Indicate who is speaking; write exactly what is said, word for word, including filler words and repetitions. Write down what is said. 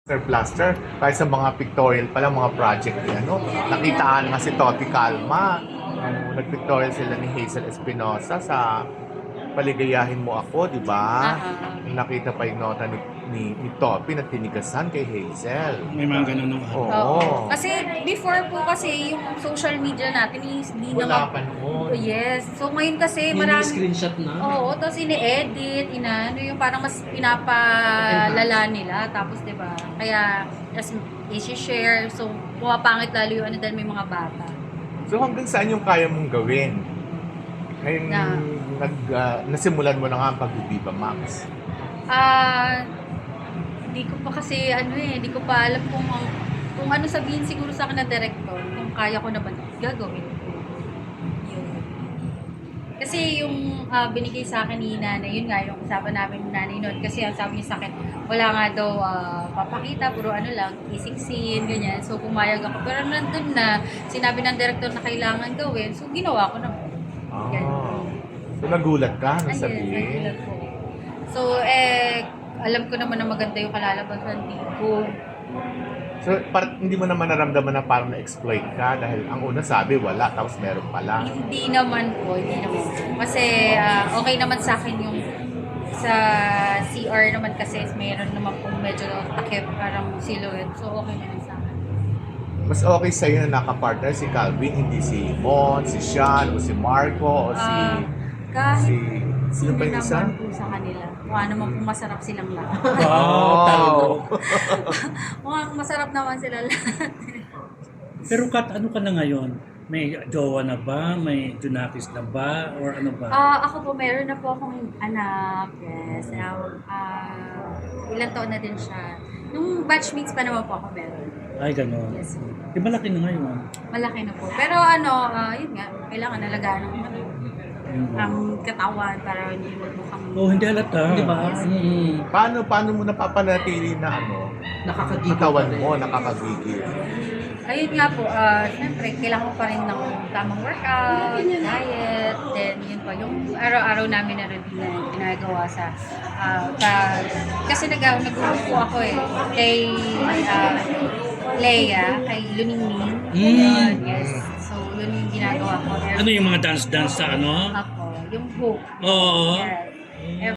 Speaker 1: plaster, kahit sa mga pictorial pa lang, mga project ni ano, nakitaan nga si Toti Calma. Nung nag-pictorial sila ni Hazel Espinosa sa Paligayahin Mo Ako, di ba?
Speaker 2: Ah,
Speaker 1: Nung nakita pa yung nota ni, ni, ni Topi na tinigasan kay Hazel.
Speaker 3: May mga ganun nung
Speaker 1: Oo.
Speaker 3: ano.
Speaker 2: Oo. Kasi before po kasi yung social media natin is hindi
Speaker 1: Wala
Speaker 2: naman...
Speaker 1: pa noon.
Speaker 2: Oh, yes. So ngayon kasi
Speaker 4: Yung
Speaker 2: marami...
Speaker 4: screenshot na.
Speaker 2: Oo, tapos ini-edit, inaano yung parang mas pinapalala nila. Tapos 'di ba? Kaya as i-share, so pumapangit lalo yung ano dahil may mga bata.
Speaker 1: So hanggang saan yung kaya mong gawin? Ngayon,
Speaker 2: Na-
Speaker 1: nag, ah, nasimulan mo na nga ang pag-Viva Max.
Speaker 2: Ah, hindi ko pa kasi ano eh, hindi ko pa alam kung kung ano sabihin siguro sa akin na director, kung kaya ko na ba gagawin ko. Yun. Kasi yung ah, binigay sa akin ni nanay, yun nga, yung usapan namin ni nanay noon. Kasi ang sabi niya sa akin, wala nga daw ah, papakita, puro ano lang, kissing scene, ganyan. So pumayag ako. Pero nandun na, sinabi ng director na kailangan gawin, so ginawa ko na.
Speaker 1: Ah. So nagulat ka na
Speaker 2: Ayun,
Speaker 1: sabihin?
Speaker 2: nagulat po. So, eh, alam ko naman na maganda yung kalalabasan dito.
Speaker 1: So, par- hindi mo naman naramdaman na parang na-exploit ka dahil ang una sabi wala, tapos meron pala.
Speaker 2: Hindi naman po, hindi naman po. Kasi ah, okay naman sa akin yung sa C R naman kasi mayroon naman po medyo takip parang silhouette. So, okay naman sa akin.
Speaker 1: Mas okay sa'yo na nakapartner si Calvin, hindi si Mon, si Sean, o si Marco, o si...
Speaker 2: Ah, kahit
Speaker 1: si... Sino pa
Speaker 2: hindi
Speaker 1: yung isa?
Speaker 2: naman po sa kanila. Mukha naman po masarap silang lahat.
Speaker 3: Wow, talaga.
Speaker 2: Mukhang masarap naman sila lahat.
Speaker 3: Pero Kat, ano ka na ngayon? May jowa na ba? May Junakis na ba? Or ano ba?
Speaker 2: Ah, ako po, meron na po akong anak. Yes. Um, ah, ilang taon na din siya. Nung batchmates pa naman po ako meron.
Speaker 3: Ay, gano'n.
Speaker 2: Yes.
Speaker 3: Di malaki na ngayon.
Speaker 2: Malaki na po. Pero ano, ah, yun nga, kailangan alagaan ng ano,
Speaker 3: Mm.
Speaker 2: ang katawan para hindi magmukhang...
Speaker 3: Oh, hindi halata.
Speaker 4: Di ba?
Speaker 2: Yes.
Speaker 4: Mm.
Speaker 1: Paano, paano mo napapanatili na ano,
Speaker 4: Nakakagigil
Speaker 1: katawan
Speaker 4: pa rin.
Speaker 1: mo, nakakagigil?
Speaker 2: Ayun nga po, ah, syempre, kailangan ko pa rin ng tamang workout, diet, then yun po, yung araw-araw namin na routine na ginagawa sa, ah, pa- kasi nag nag-group po ako eh, kay ah, Leia, kay Luningning,
Speaker 3: Mm.
Speaker 2: Yun, yes, so yun yung ginagawa ko.
Speaker 3: Ano yung mga dance-dance sa ano?
Speaker 2: Ako, yung hook,
Speaker 3: Oo.
Speaker 2: yes.